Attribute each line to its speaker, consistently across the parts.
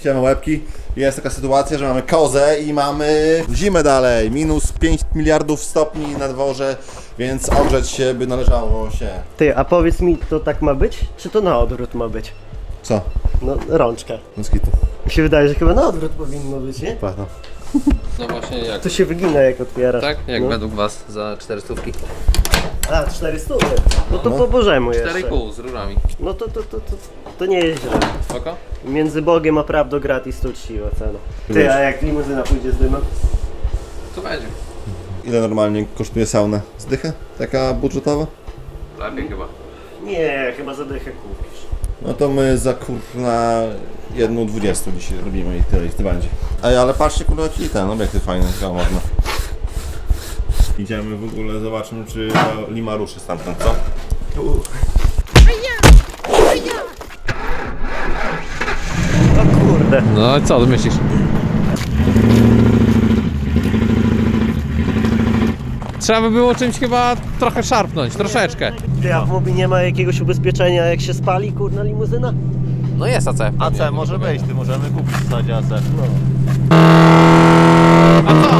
Speaker 1: Siema łebki. Jest taka sytuacja, że mamy kozę i mamy zimę dalej. Minus 5 miliardów stopni na dworze, więc ogrzeć się by należało się.
Speaker 2: Ty, a powiedz mi, to tak ma być? Czy to na odwrót ma być?
Speaker 1: Co?
Speaker 2: No, rączka.
Speaker 1: Moskitu.
Speaker 2: Mi się wydaje, że chyba na odwrót powinno być, nie?
Speaker 1: Prawda.
Speaker 3: No właśnie jak?
Speaker 2: To się wygina jak otwierasz.
Speaker 3: Tak? Jak
Speaker 2: no.
Speaker 3: według was za 400?
Speaker 2: A, 400. No to po bożemu jeszcze.
Speaker 3: 4,5 z rurami.
Speaker 2: No to nie jest źle.
Speaker 3: Spoko?
Speaker 2: Między Bogiem a prawdą gratis to uczciwa cena. Ty, a jak limuzyna pójdzie z dymem?
Speaker 3: To będzie.
Speaker 1: Ile normalnie kosztuje sauna? Zdycha? Taka budżetowa?
Speaker 3: Lepiej chyba.
Speaker 2: Nie, chyba za dychę kupisz.
Speaker 1: No to my za kurna 1,20 dzisiaj robimy i tyle, i to będzie. Ej, ale patrzcie kurwa jaki ten obiektyw fajny, chyba można. Idziemy w ogóle, zobaczmy czy Lima ruszy stamtąd, co?
Speaker 2: O kurde.
Speaker 3: No i co ty myślisz? Trzeba by było czymś chyba trochę szarpnąć, troszeczkę.
Speaker 2: Ty, a w Mobi nie ma jakiegoś ubezpieczenia jak się spali kurna limuzyna?
Speaker 3: No jest AC.
Speaker 4: AC może być, ty możemy kupić w zasadzie AC.
Speaker 2: No.
Speaker 3: A co?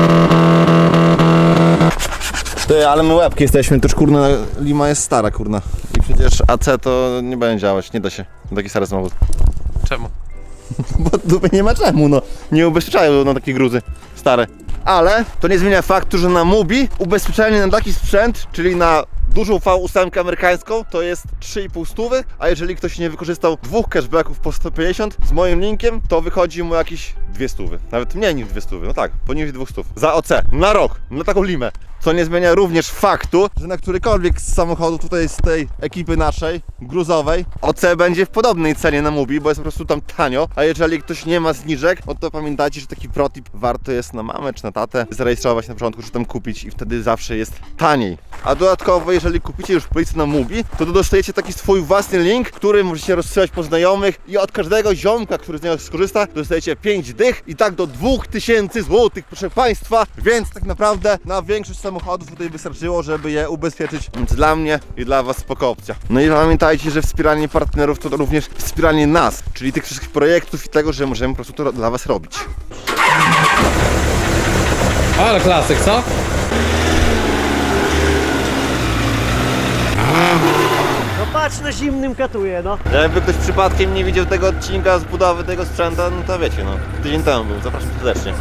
Speaker 1: Ty, ale my łebki jesteśmy, to już kurna Lima jest stara kurna. I przecież AC to nie będzie działać, nie da się. Taki stary samochód.
Speaker 3: Czemu?
Speaker 1: Bo dupy nie ma czemu, no. Nie ubezpieczają na takie gruzy stare. Ale to nie zmienia faktu, że na Mubi ubezpieczenie na taki sprzęt, czyli na dużą V8 amerykańską, to jest 3,5 stówy, a jeżeli ktoś nie wykorzystał dwóch cashbacków po 150 z moim linkiem, to wychodzi mu jakieś 2 stówy. Nawet mniej niż 2 stówy, no tak, poniżej 2 stów. Za OC, na rok, na taką limę. Co nie zmienia również faktu, że na którykolwiek z samochodów tutaj z tej ekipy naszej, gruzowej, OC będzie w podobnej cenie na Mubi, bo jest po prostu tam tanio, a jeżeli ktoś nie ma zniżek, no to pamiętajcie, że taki protip warto jest na mamę czy na tatę zarejestrować na początku, czy tam kupić i wtedy zawsze jest taniej. A dodatkowo, jeżeli kupicie już policję na Mubi, to dostajecie taki swój własny link, który możecie rozsyłać po znajomych i od każdego ziomka, który z niego skorzysta, dostajecie 5 dych i tak do 2000 złotych, proszę Państwa, więc tak naprawdę na większość samochodów tutaj wystarczyło, żeby je ubezpieczyć, więc dla mnie i dla Was spoko opcja. No i pamiętajcie, że wspieranie partnerów to również wspieranie nas, czyli tych wszystkich projektów i tego, że możemy po prostu to dla Was robić.
Speaker 3: Ale klasyk, co?
Speaker 2: No patrz, na zimnym katuje, no.
Speaker 4: Jakby ktoś przypadkiem nie widział tego odcinka z budowy tego sprzęta, no to wiecie, no. Tydzień temu był, zapraszam serdecznie.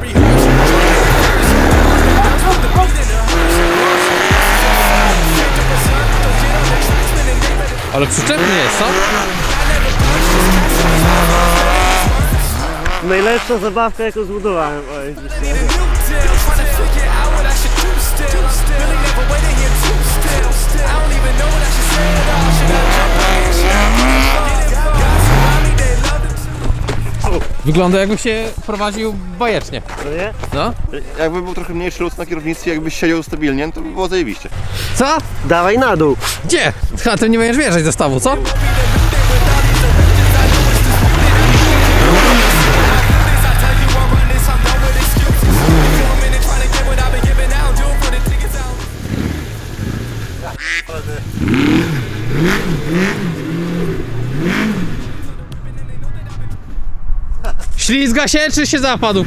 Speaker 3: Ale przyczepnie jest, co?
Speaker 2: Najlepsza zabawka jaką zbudowałem, oj, dzisiaj.
Speaker 3: Wygląda jakby się prowadził bajecznie.
Speaker 2: No nie?
Speaker 3: No?
Speaker 1: Jakby był trochę mniejszy luz na kierownictwie, jakbyś siedział stabilnie, to by było zajebiście.
Speaker 3: Co?
Speaker 2: Dawaj na dół.
Speaker 3: Gdzie? A ty nie będziesz wjeżdżać do stawu, co? Ślizga się czy się zapadł?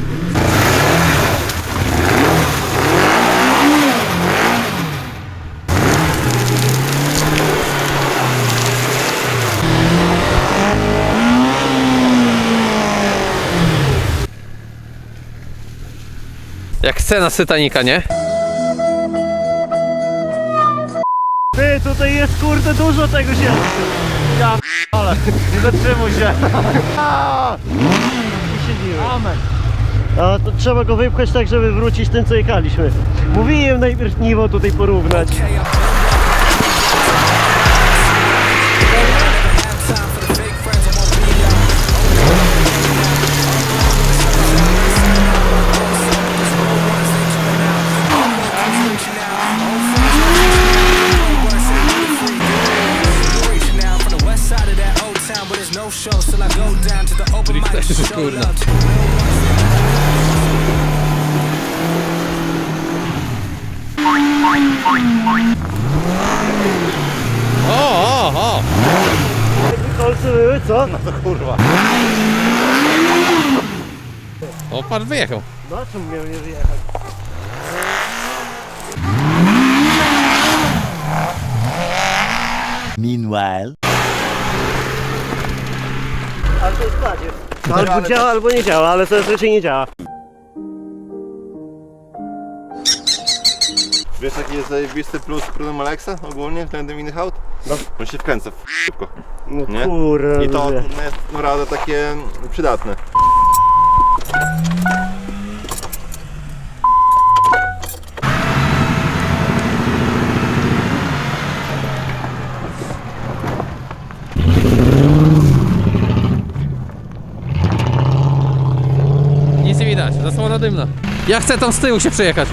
Speaker 3: Jak scena z Titanica, nie?
Speaker 2: Ty, tutaj jest kurde dużo tego się.
Speaker 4: Ja ale nie zatrzymuj się.
Speaker 2: Amen. A to trzeba go wypchać tak, żeby wrócić tym, co jechaliśmy. Mówiłem najpierw niwo tutaj porównać.
Speaker 3: Kurna.
Speaker 2: Kolce były, co?
Speaker 4: No to kurwa.
Speaker 3: O, patrz, wyjechał.
Speaker 2: No a czemu miał nie wyjechać?
Speaker 5: Meanwhile.
Speaker 2: Ale to jest kladzie. Albo działa, albo nie działa, ale to raczej nie działa.
Speaker 1: Wiesz jaki jest zajebisty plus prądem Alexa ogólnie względem innych aut?
Speaker 2: No.
Speaker 1: On się wkręca szybko.
Speaker 2: No
Speaker 1: Nie?
Speaker 2: kurwa.
Speaker 1: I to
Speaker 2: ludzie.
Speaker 1: jest naprawdę takie przydatne.
Speaker 3: Nic nie widać, zasłona dymna. Ja chcę tam z tyłu się przejechać.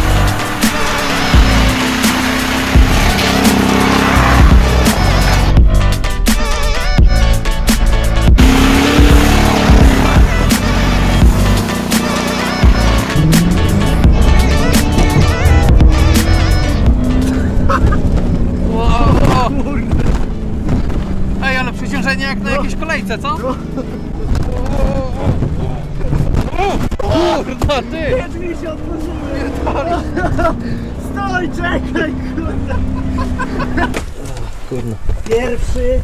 Speaker 3: Ej, ale przeciążenie jak na jakiejś kolejce, co? Kurwa, ty!
Speaker 2: Drzwi się otworzyły! Stoj, czekaj, kurwa!
Speaker 3: Kurno.
Speaker 2: Pierwszy...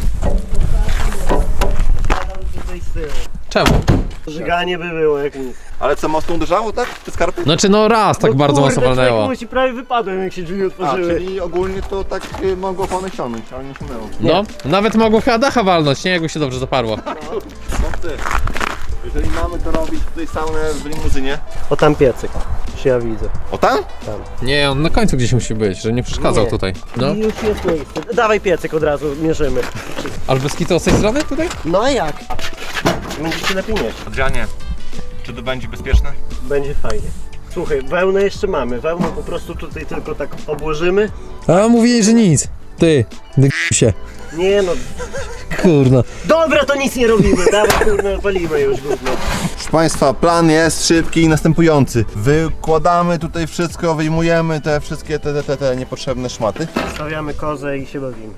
Speaker 2: Siadam tutaj z tyłu.
Speaker 3: Czemu?
Speaker 2: Żyganie by było jak nic.
Speaker 1: Ale co, mocno uderzało, tak? Te skarpy?
Speaker 3: Znaczy no raz tak
Speaker 2: No
Speaker 3: bardzo
Speaker 2: kurde,
Speaker 3: mocno walnęło.
Speaker 2: człowieku, ci prawie wypadłem jak się drzwi
Speaker 1: A,
Speaker 2: otworzyły.
Speaker 1: czyli ogólnie to tak mogło opony ściągnąć, ale nie ściągnęło.
Speaker 3: No, nawet mogło chyba dacha walnąć, nie? Jakby się dobrze zaparło.
Speaker 1: No ty, jeżeli mamy to robić tutaj saunę w limuzynie.
Speaker 2: O tam piecyk, się ja widzę.
Speaker 1: O tam?
Speaker 3: Nie, on na końcu gdzieś musi być, że nie przeszkadzał
Speaker 2: Nie.
Speaker 3: tutaj. No.
Speaker 2: I już jest miejsce. Dawaj piecyk od razu, mierzymy.
Speaker 3: Ale bez kitu z tej strony tutaj?
Speaker 2: No a jak? Będzie się lepiej nieść.
Speaker 1: Adrianie, czy to będzie bezpieczne?
Speaker 2: Będzie fajnie. Słuchaj, wełnę jeszcze mamy. Wełnę po prostu tutaj tylko tak obłożymy.
Speaker 3: A mówili, że nic. Ty, się.
Speaker 2: Nie no.
Speaker 3: Kurno.
Speaker 2: Dobra, to nic nie robimy. Dawaj, kurwa, palimy już gówno.
Speaker 1: Proszę Państwa, plan jest szybki i następujący. Wykładamy tutaj wszystko, wyjmujemy te wszystkie te niepotrzebne szmaty.
Speaker 2: Stawiamy kozę i się bawimy.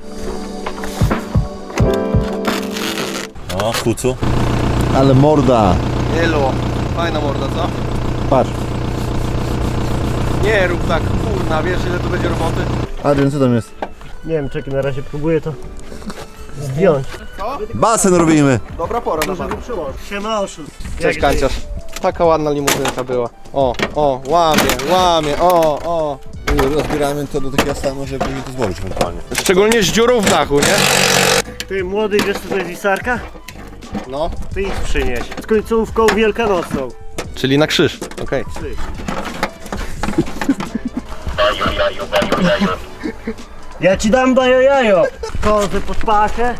Speaker 1: O, kucu. Ale morda.
Speaker 4: Elo, fajna morda, co?
Speaker 1: Patrz.
Speaker 4: Nie rób tak, kurna, wiesz ile to będzie roboty?
Speaker 1: Adrian, co tam jest?
Speaker 2: Nie wiem, czekaj, na razie próbuję to zdjąć.
Speaker 1: Basen robimy.
Speaker 4: Dobra pora na
Speaker 2: Żeby przyłożyć. Siema, oszust.
Speaker 4: Cześć
Speaker 2: Jak
Speaker 4: kanciarz. Taka ładna limuzynka była. O, łamie, o.
Speaker 1: Rozbieramy to do takiego stanu, żeby później to złożyć ewentualnie.
Speaker 4: Szczególnie z dziurą w dachu, nie?
Speaker 2: Ty, młody, wiesz co to jest wisarka?
Speaker 4: No.
Speaker 2: Ty idź przynieś. Z końcówką wielkanocną.
Speaker 4: Czyli na krzyż, okej.
Speaker 2: Ja ci dam bajo jajo. Kozę pod pachę.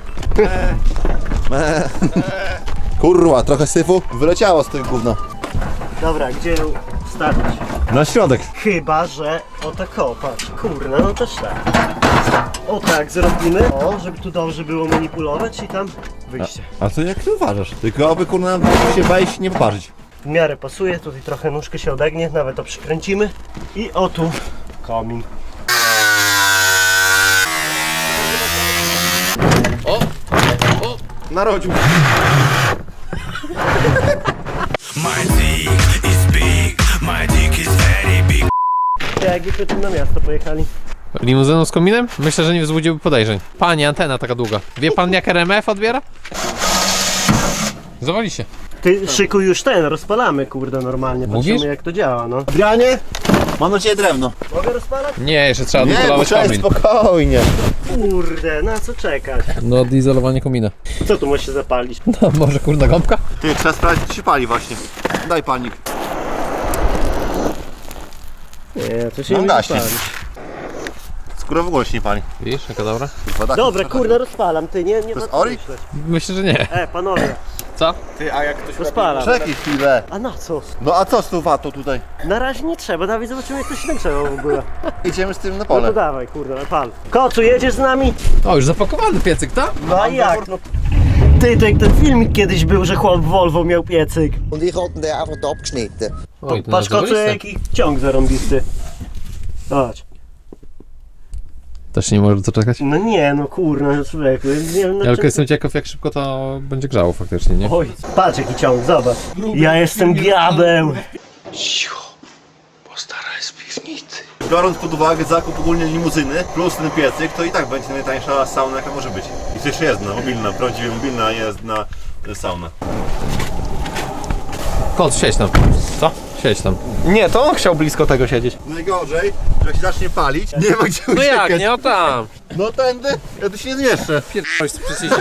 Speaker 1: Kurwa, trochę syfu wyleciało z tego gówna.
Speaker 2: Dobra, gdzie ją wstawić?
Speaker 1: Na środek.
Speaker 2: Chyba, że o tak o, patrz, kurna, no też tak. O tak zrobimy, o, żeby tu dobrze było manipulować i tam wyjście.
Speaker 1: A to jak ty uważasz? Tylko aby kurna się wejść nie poparzyć.
Speaker 2: W miarę pasuje, tutaj trochę nóżkę się odegnie, nawet to przykręcimy. I o tu komin.
Speaker 4: Narodził.
Speaker 6: My dick is big, my dick is very big.
Speaker 2: Jakbyśmy tu na miasto pojechali.
Speaker 3: Limuzyną z kominem? Myślę, że nie wzbudziłby podejrzeń. Panie, antena taka długa. Wie pan jak RMF odbiera? Zawali się.
Speaker 2: Ty, szykuj już ten, rozpalamy, kurde, normalnie.
Speaker 3: Mówisz?
Speaker 2: Patrzymy jak to działa, no.
Speaker 1: Adrianie, mam na ciebie drewno.
Speaker 2: Mogę rozpalać?
Speaker 3: Nie, jeszcze trzeba
Speaker 1: Nie,
Speaker 3: odizolować
Speaker 1: poczekaj,
Speaker 3: komin.
Speaker 1: spokojnie.
Speaker 2: Kurde, na co czekać?
Speaker 3: No, odizolowanie komina.
Speaker 2: Co tu musi się zapalić?
Speaker 3: No, może kurna gąbka?
Speaker 1: Ty, trzeba sprawdzić, czy się pali właśnie. Daj palnik.
Speaker 2: Nie, to się
Speaker 1: No
Speaker 2: nie
Speaker 1: gaśnie.
Speaker 2: zapali.
Speaker 1: Skóra w ogóle się nie pali.
Speaker 3: Widzisz, jaka dobra?
Speaker 1: Woda
Speaker 2: Dobra, kurde, rozpalam, ty, nie
Speaker 1: To jest
Speaker 2: ma co
Speaker 1: Ori?
Speaker 2: myśleć.
Speaker 3: Myślę, że nie.
Speaker 2: Panowie,
Speaker 3: Co?
Speaker 4: Ty, a jak ktoś
Speaker 2: rozpalam.
Speaker 1: Czekaj chwilę.
Speaker 2: A na co?
Speaker 1: No a co z tą watą tutaj?
Speaker 2: Na razie nie trzeba, Dawid, zobaczymy jak to się nagrzewa w ogóle.
Speaker 1: Idziemy z tym na
Speaker 2: No to
Speaker 1: pole.
Speaker 2: dawaj, kurde, pal. Kocu, jedziesz z nami?
Speaker 3: O, już zapakowany piecyk, tak?
Speaker 2: No a jak? No. Ty, to jak ten filmik kiedyś był, że chłop w Volvo miał piecyk.
Speaker 5: Und ich hatte den einfach abgeschnitten.
Speaker 3: Oj, to
Speaker 2: Patrz, Kocu,
Speaker 3: zadowoliste.
Speaker 2: jaki ciąg zarąbisty. Zobacz.
Speaker 3: Też nie możesz doczekać?
Speaker 2: No nie, no kurna, człowieku. Nie wiem, no
Speaker 3: Ja tylko jestem ciekaw, jak szybko to będzie grzało faktycznie, nie?
Speaker 2: Oj, patrz jaki ciąg, zobacz. Ja jestem diabeł.
Speaker 1: Biorąc pod uwagę zakup ogólnie limuzyny plus ten piecyk, to i tak będzie najtańsza sauna jaka może być. I to jeszcze jest mobilna, prawdziwie mobilna jest na sauna.
Speaker 3: Kot, siedź tam. Co? Siedź tam.
Speaker 7: Nie, to on chciał blisko tego siedzieć.
Speaker 1: Najgorzej, że jak się zacznie palić, nie ma gdzie
Speaker 3: No
Speaker 1: uciekać.
Speaker 3: jak, nie? O tam.
Speaker 1: No tędy, ja tu się nie zmieszczę.
Speaker 3: Pierdolę, przecież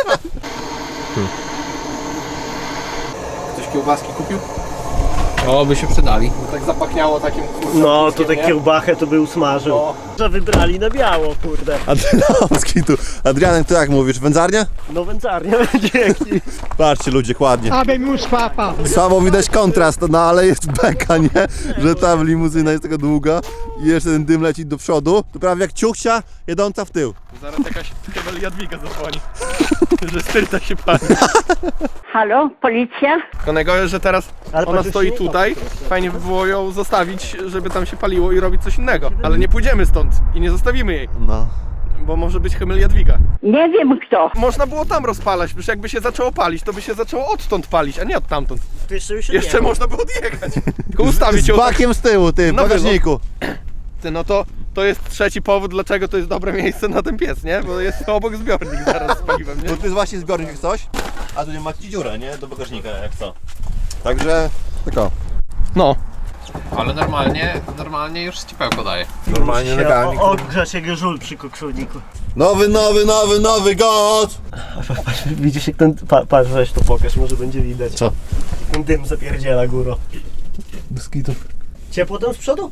Speaker 7: Ktoś kiełbaski kupił?
Speaker 3: O, by się przydali.
Speaker 7: Tak zapachniało takim kurwa.
Speaker 2: No, tutaj kiełbachę to by usmażył. Że wybrali na biało, kurde.
Speaker 1: Adrianowski tu. Adrianek, to jak mówisz, wędzarnia?
Speaker 2: No wędzarnia, dzięki.
Speaker 1: Patrzcie ludzie, ładnie. Słabo widać kontrast, no ale jest beka, nie? Że ta limuzyna jest taka długa i jeszcze ten dym leci do przodu. To prawie jak ciuchcia jedąca w tył.
Speaker 7: Zaraz jakaś Kewel Jadwiga zadzwoni. Że styrta się pali.
Speaker 8: Halo, policja?
Speaker 7: Tylko najgorzej, że teraz
Speaker 2: Ale
Speaker 7: ona
Speaker 2: patrz,
Speaker 7: stoi
Speaker 2: już nie
Speaker 7: tutaj. Fajnie by było ją zostawić, żeby tam się paliło i robić coś innego. Ale nie pójdziemy stąd i nie zostawimy jej.
Speaker 1: No.
Speaker 7: Bo może być Kewel Jadwiga.
Speaker 8: Nie wiem kto.
Speaker 7: Można było tam rozpalać, przecież jakby się zaczęło palić, to by się zaczęło odtąd palić, a nie od tamtąd.
Speaker 2: To jeszcze już
Speaker 7: Jeszcze można było odjechać. Tylko ustawić
Speaker 1: Z
Speaker 7: ją tak.
Speaker 1: bakiem z tyłu, ty, w
Speaker 7: No
Speaker 1: bagażniku.
Speaker 7: Ty, no to jest trzeci powód, dlaczego to jest dobre miejsce na ten piec, nie? Bo jest obok zbiornik zaraz z paliwem, nie?
Speaker 1: Bo to jest właśnie zbiornik jak coś, a tu nie ma ci dziurę, nie? Do bagażnika, jak co. Także, tylko.
Speaker 7: No.
Speaker 3: Ale normalnie już ścipełko daje.
Speaker 7: Normalnie legalnie.
Speaker 2: Ogrzać jak żul przy kokszulniku.
Speaker 1: Nowy god!
Speaker 2: Widzisz jak ten... Patrz, weź to pokaż, może będzie widać.
Speaker 1: Co?
Speaker 2: Ten dym zapierdziela górą.
Speaker 7: Bez kitu.
Speaker 2: Ciepło tam z przodu?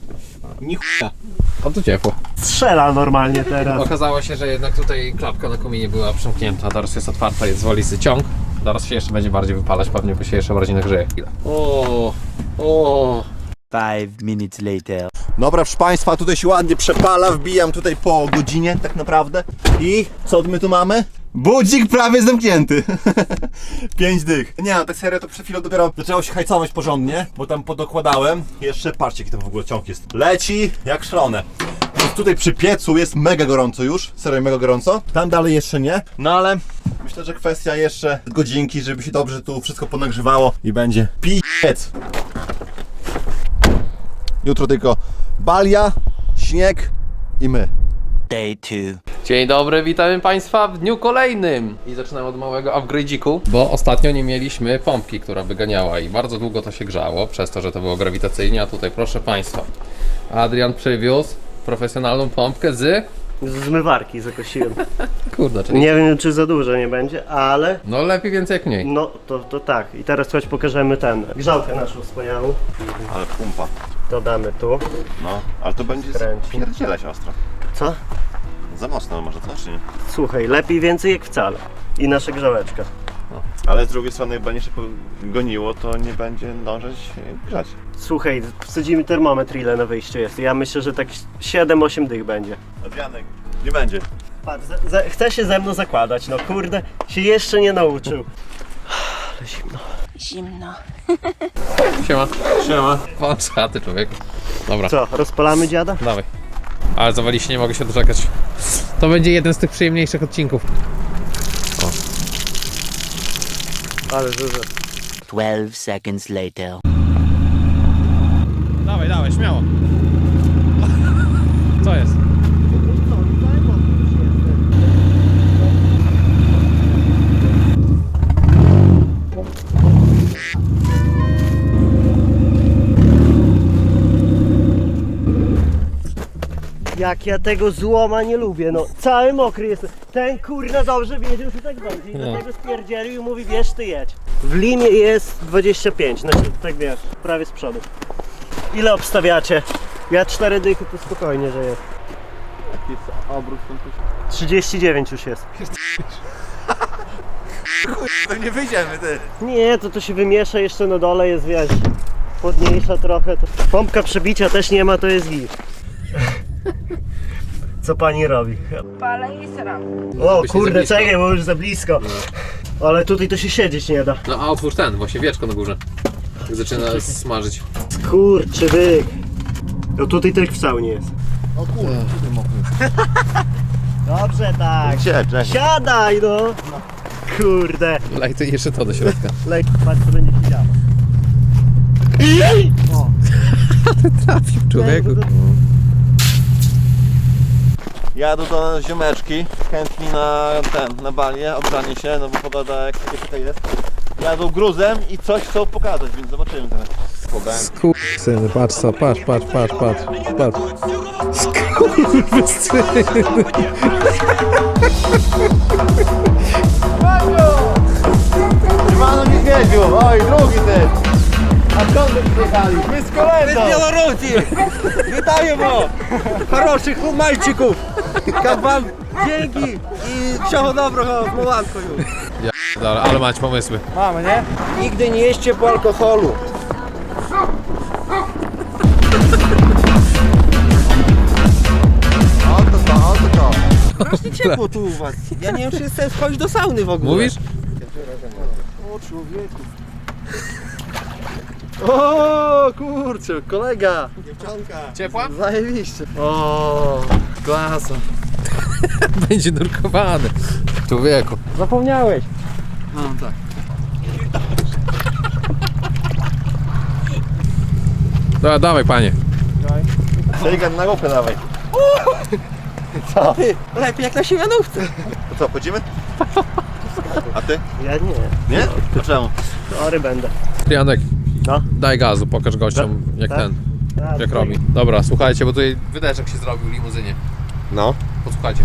Speaker 3: A tu ciepło.
Speaker 2: Strzela normalnie teraz.
Speaker 3: Okazało się, że jednak tutaj klapka na kominie była przymknięta, teraz jest otwarta, jest z walizny ciąg. Teraz się jeszcze będzie bardziej wypalać, pewnie bo się jeszcze bardziej nagrzeje chwilę. O.
Speaker 5: 5 minutes later.
Speaker 1: Dobra, proszę Państwa, tutaj się ładnie przepala, wbijam tutaj po godzinie tak naprawdę. I co my tu mamy? Budzik prawie zamknięty. 5 dych. Nie no, tak serio to przed chwilą dopiero zaczęło się hajcować porządnie, bo tam podokładałem. Jeszcze patrzcie jaki to w ogóle ciąg jest. Leci jak szalone. Więc tutaj przy piecu jest mega gorąco już, serio mega gorąco. Tam dalej jeszcze nie, no ale myślę, że kwestia jeszcze godzinki, żeby się dobrze tu wszystko ponagrzewało i będzie piec. Jutro tylko balia, śnieg i my.
Speaker 5: Day 2.
Speaker 3: Dzień dobry, witamy Państwa w dniu kolejnym. I zaczynamy od małego upgrade'iku, bo ostatnio nie mieliśmy pompki, która wyganiała i bardzo długo to się grzało, przez to, że to było grawitacyjnie, a tutaj proszę Państwa, Adrian przywiózł profesjonalną pompkę z...
Speaker 2: Z zmywarki zakosiłem.
Speaker 3: Kurde, czyli...
Speaker 2: Nie wiem czy za dużo nie będzie, ale...
Speaker 3: No lepiej więcej jak mniej.
Speaker 2: No to tak. I teraz chodź pokażemy grzałkę naszą wspaniałą.
Speaker 1: Ale pumpa.
Speaker 2: To damy tu.
Speaker 1: No, ale to będzie
Speaker 2: Skręci.
Speaker 1: pierdzielać ostro.
Speaker 2: Co?
Speaker 1: Za mocno może to, czy nie?
Speaker 2: Słuchaj, lepiej więcej jak wcale. I nasza grzałeczka.
Speaker 1: Ale z drugiej strony jak będzie się goniło, to nie będzie ndążyć grzać.
Speaker 2: Słuchaj, wsadzimy termometr ile na wyjściu jest. Ja myślę, że tak 7-8 dych będzie.
Speaker 1: Adrianek, nie będzie.
Speaker 2: Patrz, chce się ze mną zakładać, no kurde, się jeszcze nie nauczył. Ale zimno.
Speaker 8: Zimno.
Speaker 3: Siema. Siema. Pan szaty, człowieku. Dobra,
Speaker 2: Co, rozpalamy dziada?
Speaker 3: dawaj. Ale zawaliście, nie mogę się doczekać. To będzie jeden z tych przyjemniejszych odcinków.
Speaker 2: Ale dużo.
Speaker 5: 12 seconds later.
Speaker 3: Dawaj, śmiało. Co jest?
Speaker 2: Jak ja tego złoma nie lubię, no cały mokry jestem. Ten kurna dobrze wiedział, że tak będzie i dlatego spierdzielił i mówi wiesz ty jedź. W limie jest 25, znaczy tak wiesz, prawie z przodu. Ile obstawiacie? Ja 4 dychy to spokojnie, że jest.
Speaker 7: Jaki jest obrót tam
Speaker 2: 39 już jest.
Speaker 1: To nie wyjdziemy, ty.
Speaker 2: Nie, to się wymiesza jeszcze na dole, jest wiesz, chłodniejsza trochę. To... Pompka przebicia też nie ma, to jest git. Co pani robi?
Speaker 8: Palę i sram.
Speaker 2: O
Speaker 3: By się
Speaker 2: kurde,
Speaker 3: za blisko.
Speaker 2: czekaj, bo już za blisko. Ale tutaj to się siedzieć nie da.
Speaker 3: No a otwórz ten, właśnie wieczko na górze. Jak zaczyna smażyć.
Speaker 2: Kurczy byk. No tutaj też w saunie jest.
Speaker 1: O kurde, tutaj mokry.
Speaker 2: Dobrze tak.
Speaker 1: Gdzie, Grzesiu?
Speaker 2: Siadaj no. Kurde.
Speaker 3: Lej ty jeszcze to do środka.
Speaker 2: Lej, patrz co będzie się działo. O.
Speaker 3: Trafił człowieku.
Speaker 1: Jadę do ziomeczki, chętni na balię, obrzanie się, no bo pogoda jak tutaj jest. Jadą gruzem i coś chcą pokazać, więc zobaczymy teraz.
Speaker 3: Skurwysyny, patrz co, patrz. Skurwysyny.
Speaker 1: Siemano niedźwiedziu, oj drugi ty! A skąd wy przyjechali? My z kolendą!
Speaker 7: Z Białorusi! Witamy! Хороших мальчиков! Jak wam dzięki i всього доброго z Mołanką już!
Speaker 3: Dobra, ale macie pomysły.
Speaker 7: Mamy, nie? Nigdy nie jeźdźcie po alkoholu.
Speaker 1: Oto to.
Speaker 7: Strasznie ciepło tu u was. Ja nie wiem, czy jest sens wchodzić do sauny w ogóle.
Speaker 3: Mówisz?
Speaker 1: O człowieku. O kurczę, kolega.
Speaker 3: Ciepła?
Speaker 1: Zajebiście.
Speaker 7: O, klasa.
Speaker 3: Będzie nurkowany. Człowieku.
Speaker 7: Zapomniałeś.
Speaker 1: No tak.
Speaker 3: Dobra, dawaj panie.
Speaker 1: Delikatnie na głowę dawaj.
Speaker 7: Ty, lepiej jak na siemianówce.
Speaker 1: To co, chodzimy? A ty?
Speaker 2: Ja nie.
Speaker 1: Nie? To czemu?
Speaker 2: Chory będę.
Speaker 3: Janek,
Speaker 2: No.
Speaker 3: daj gazu, pokaż gościom jak
Speaker 2: Tak?
Speaker 3: ten,
Speaker 2: A,
Speaker 3: jak robi. Dobra, słuchajcie, bo tutaj wydeczek się zrobił w limuzynie.
Speaker 1: No.
Speaker 3: Posłuchajcie.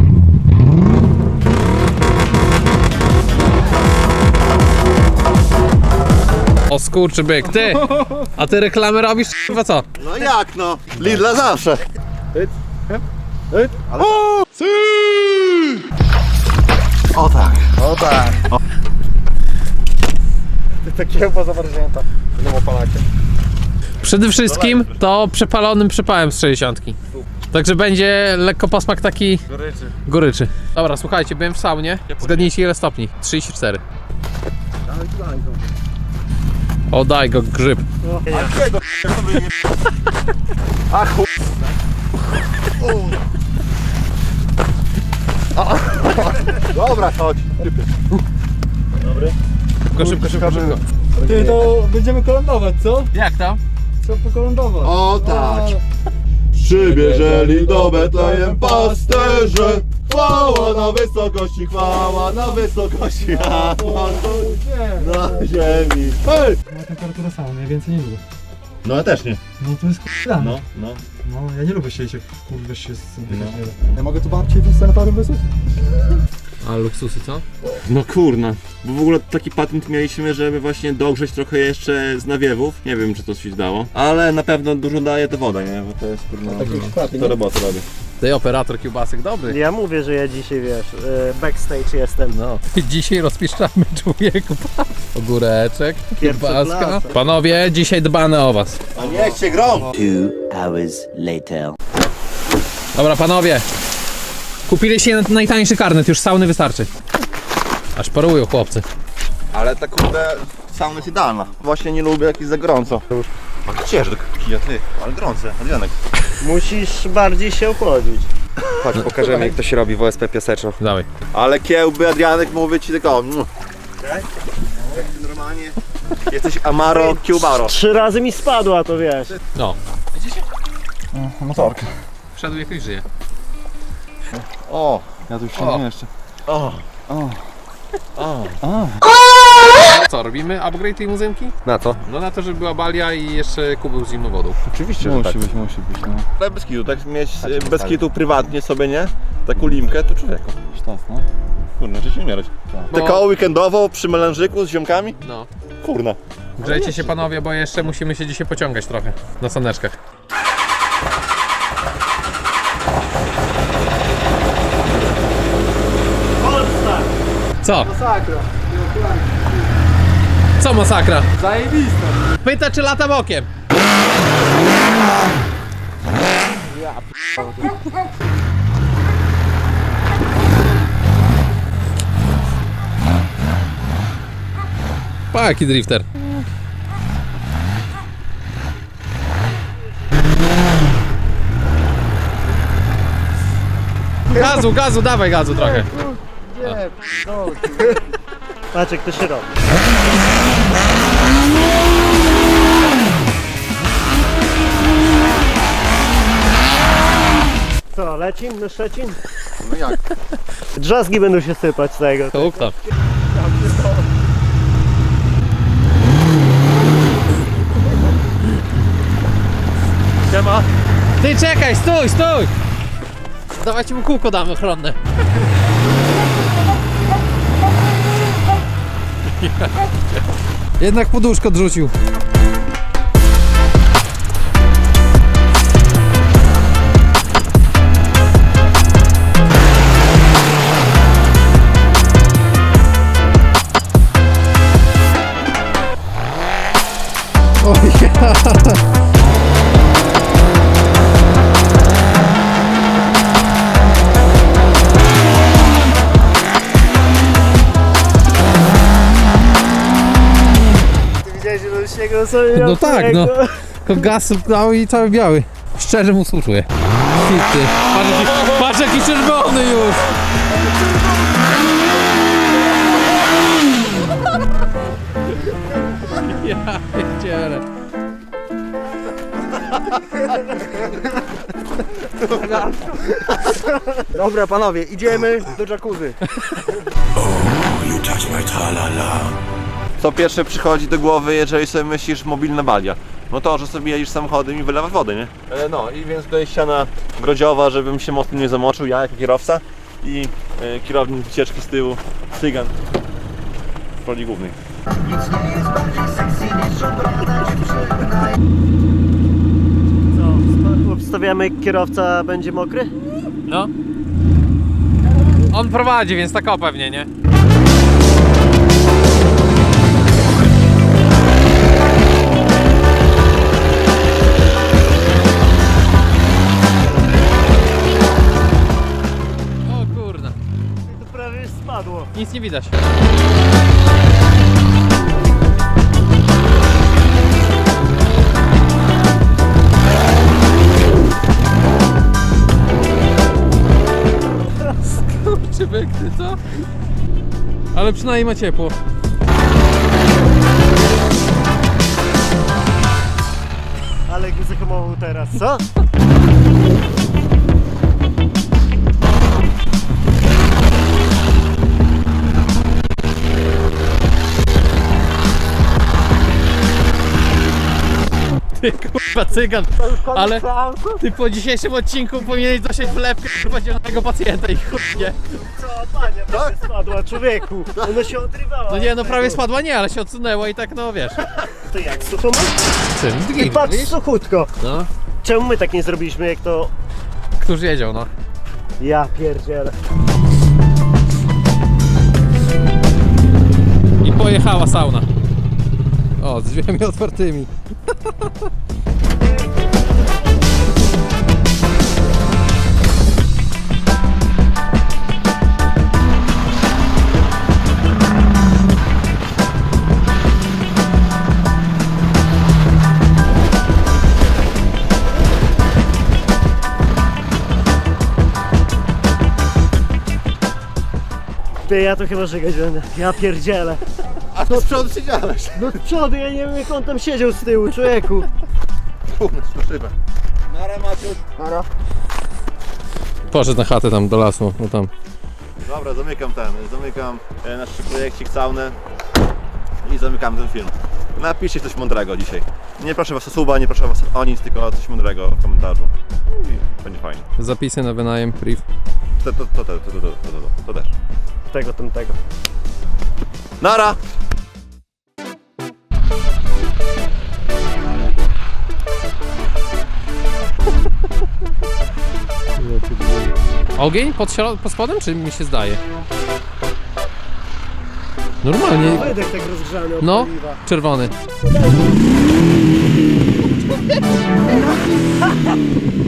Speaker 3: O skurczybyk, ty! A ty reklamy robisz, chyba co?
Speaker 1: No jak no? Lidla zawsze. Ale... O tak. O tak.
Speaker 7: Te kiełba zamarznięta. No opalacie.
Speaker 3: Przede wszystkim to przepalonym przepałem z 60. Także będzie lekko posmak taki goryczy. Dobra, słuchajcie, byłem w saunie. Zgadnijcie ile stopni? 34. O, daj go grzyb.
Speaker 1: A chuj. Dobra, chodź.
Speaker 3: Szybko.
Speaker 7: Ty, to będziemy kolędować, co?
Speaker 3: Jak tam?
Speaker 7: Co pokolędować?
Speaker 1: O tak. Przybierzeli do Betlejem pasterze. Chwała na wysokości, chwała na wysokości. Na ziemi. Hej!
Speaker 9: Ma temperaturę samą, ja więcej nie lubię.
Speaker 1: No ja też nie.
Speaker 9: No to jest k***a.
Speaker 1: No.
Speaker 9: No, ja nie lubię siedzieć jak kurwa się z tym Ja mogę tu babcię tym sanatorium wysłać?
Speaker 3: A luksusy co?
Speaker 4: No kurna, bo w ogóle taki patent mieliśmy, żeby właśnie dogrzeć trochę jeszcze z nawiewów. Nie wiem, czy to się dało, ale na pewno dużo daje to woda, nie? Bo to jest kurna, to roboty robi.
Speaker 3: Ty operator kiełbasek dobry.
Speaker 2: Ja mówię, że ja dzisiaj wiesz, backstage jestem.
Speaker 3: No. Dzisiaj rozpiszczamy człowieku. Ogóreczek, kiełbaska.
Speaker 2: klasa.
Speaker 3: Panowie, dzisiaj dbamy o was.
Speaker 1: A niech się grom!
Speaker 5: 2 hours later.
Speaker 3: Dobra panowie. Kupiliście najtańszy karnet, już sauny wystarczy. Aż parują chłopcy.
Speaker 1: Ale ta kurde sauna jest idealna. Właśnie nie lubię jak jest za gorąco. A gdzież do kija ty? Ale gorące, Adrianek.
Speaker 2: Musisz bardziej się ochłodzić.
Speaker 7: Chodź, pokażemy jak to się robi w OSP Piaseczno.
Speaker 3: Dawaj.
Speaker 1: Ale kiełby, Adrianek, mówię ci tylko. Jak ty normalnie jesteś Amaro Kiełbaro.
Speaker 2: 3 razy mi spadła, to wiesz.
Speaker 3: No.
Speaker 1: Motorka.
Speaker 3: Wszedł jakoś żyje.
Speaker 1: O!
Speaker 9: Ja tu już
Speaker 3: O.
Speaker 9: nie jeszcze.
Speaker 1: O!
Speaker 3: Co, robimy upgrade limuzynki?
Speaker 7: Na co?
Speaker 3: No na to, żeby była balia i jeszcze kubeł z zimną wodą.
Speaker 1: Oczywiście,
Speaker 9: Musi
Speaker 1: tak.
Speaker 9: być, no.
Speaker 1: Ale bez kitu, tak mieć bez kitu prywatnie sobie, nie? Taką limkę, to człowieku.
Speaker 9: Sztos, no.
Speaker 1: Kurna, że się umierać.
Speaker 3: Bo-
Speaker 1: Te koło weekendowo przy melanżyku z ziomkami?
Speaker 3: No.
Speaker 1: Kurna.
Speaker 3: Grzejcie się panowie, bo jeszcze musimy się dzisiaj pociągać trochę na saneczkach.
Speaker 2: Polska!
Speaker 3: Co?
Speaker 9: Masakra.
Speaker 3: Co masakra?
Speaker 9: Zajebista.
Speaker 3: Pyta czy lata bokiem. Pa jaki drifter. Gazu, dawaj gazu trochę.
Speaker 2: Patrz jak to się robi. Co, lecim na Szczecin?
Speaker 1: No jak?
Speaker 2: Drzazgi będą się sypać z tego.
Speaker 3: Tukta.
Speaker 2: Siema.
Speaker 3: Ty czekaj, stój! Dawajcie mu kółko damy ochronne. Jednak poduszko odrzucił.
Speaker 2: Ty widziałeś, że do śniegu sobie
Speaker 3: No tak, no. Tylko gaz dał i cały biały. Szczerze mu współczuję. Ty. Patrz jaki czerwony już! Ja pierdzielę.
Speaker 7: Dobra panowie, idziemy do jacuzzi.
Speaker 6: You touch my tra-la-la.
Speaker 1: Co pierwsze przychodzi do głowy, jeżeli sobie myślisz mobilna balia? No to, że sobie jedziesz samochodem i wylewasz wodę, nie? No i więc tutaj ściana grodziowa, żebym się mocno nie zamoczył, ja jako kierowca i kierownik wycieczki z tyłu, cygan w roli głównej.
Speaker 2: Co, obstawiamy kierowca będzie mokry?
Speaker 3: No. On prowadzi, więc tak pewnie, nie? O kurna,
Speaker 2: To prawie już spadło.
Speaker 3: nic nie widać. Skurczybyk, ty co? Ale przynajmniej ma ciepło.
Speaker 2: Ale go zahamował teraz, co?
Speaker 3: Ty kurwa cygan, ale ty po dzisiejszym odcinku powinieneś dosiąść wlepkę podzielonego pacjenta i chudnie.
Speaker 2: Co, panie, prawie spadła, człowieku. Ona się odrywała.
Speaker 3: No nie,
Speaker 2: od
Speaker 3: no prawie
Speaker 2: tego.
Speaker 3: spadła nie, ale się odsunęła i tak no wiesz.
Speaker 2: To jak, sucho masz?
Speaker 3: Czym?
Speaker 2: I patrz, suchutko.
Speaker 3: No,
Speaker 2: Czemu my tak nie zrobiliśmy, jak to...
Speaker 3: któż jedział no.
Speaker 2: Ja pierdzielę.
Speaker 3: I pojechała sauna. O, z drzwiami otwartymi.
Speaker 2: Ty, ja to chyba żygać będę. Ja pierdzielę.
Speaker 1: A to z przodu siedziałeś.
Speaker 2: No z przodu, ja nie wiem jak on tam siedział z tyłu, człowieku.
Speaker 1: Na szybę. Nara Maciuś. Nara.
Speaker 3: Poszedł na chatę tam do lasu, no tam.
Speaker 1: Dobra, zamykam nasz projekcik saunę i zamykam ten film. Napiszcie coś mądrego dzisiaj. Nie proszę was o suba, nie proszę was o nic, tylko coś mądrego w komentarzu. I będzie fajnie.
Speaker 3: Zapisy na wynajem, priv.
Speaker 1: To też.
Speaker 2: Tego, tamtego.
Speaker 1: Nara!
Speaker 3: Ogień pod spodem, czy mi się zdaje? Normalnie.
Speaker 2: Wydech tak rozgrzany od
Speaker 3: No,
Speaker 2: paliwa.
Speaker 3: czerwony.